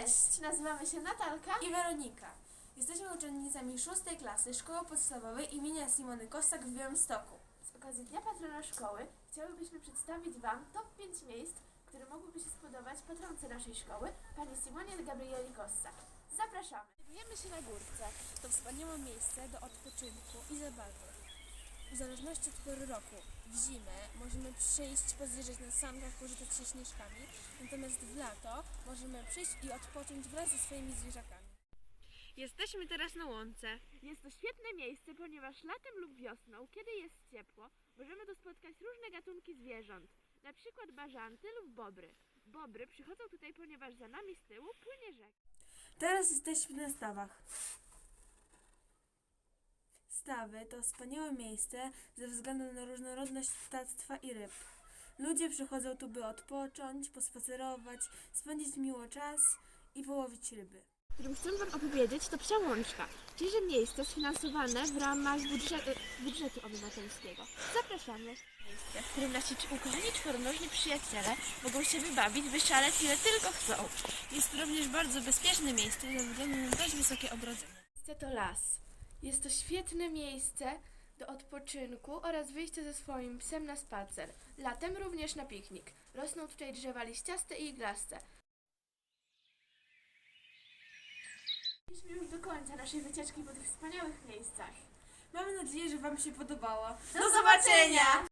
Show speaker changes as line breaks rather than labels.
Cześć! Nazywamy się Natalka i Weronika. Jesteśmy uczennicami 6. klasy Szkoły Podstawowej imienia Simony Kossak w Białymstoku. Z okazji Dnia Patrona Szkoły chciałybyśmy przedstawić Wam top 5 miejsc, które mogłyby się spodobać patronce naszej szkoły, pani Simonie Gabrieli Kossak. Zapraszamy! Znajdujemy się na Górce. To wspaniałe miejsce do odpoczynku i zabawy. W zależności od pory roku, w zimę możemy przyjść, pozjeżdżać na sankach, pożytać się śnieżkami, natomiast w lato możemy przyjść i odpocząć wraz ze swoimi zwierzakami. Jesteśmy teraz na łące. Jest to świetne miejsce, ponieważ latem lub wiosną, kiedy jest ciepło, możemy tu spotkać różne gatunki zwierząt, na przykład bażanty lub bobry. Bobry przychodzą tutaj, ponieważ za nami z tyłu płynie rzeka. Teraz jesteśmy na stawach. Stawy to wspaniałe miejsce ze względu na różnorodność ptactwa i ryb. Ludzie przychodzą tu, by odpocząć, pospacerować, spędzić miło czas i połowić ryby. Którym chcę Wam opowiedzieć, to Psia Łączka, czyli miejsce sfinansowane w ramach budżetu obywatelskiego. Zapraszamy! Miejsce, w którym nasi ukochani czworonożni przyjaciele mogą się wybawić, wyszaleć ile tylko chcą. Jest to również bardzo bezpieczne miejsce ze względu na dość wysokie ogrodzenie. Miejsce to las. Jest to świetne miejsce do odpoczynku oraz wyjścia ze swoim psem na spacer. Latem również na piknik. Rosną tutaj drzewa liściaste i iglaste. Doszliśmy już do końca naszej wycieczki po tych wspaniałych miejscach. Mamy nadzieję, że Wam się podobało. Do zobaczenia!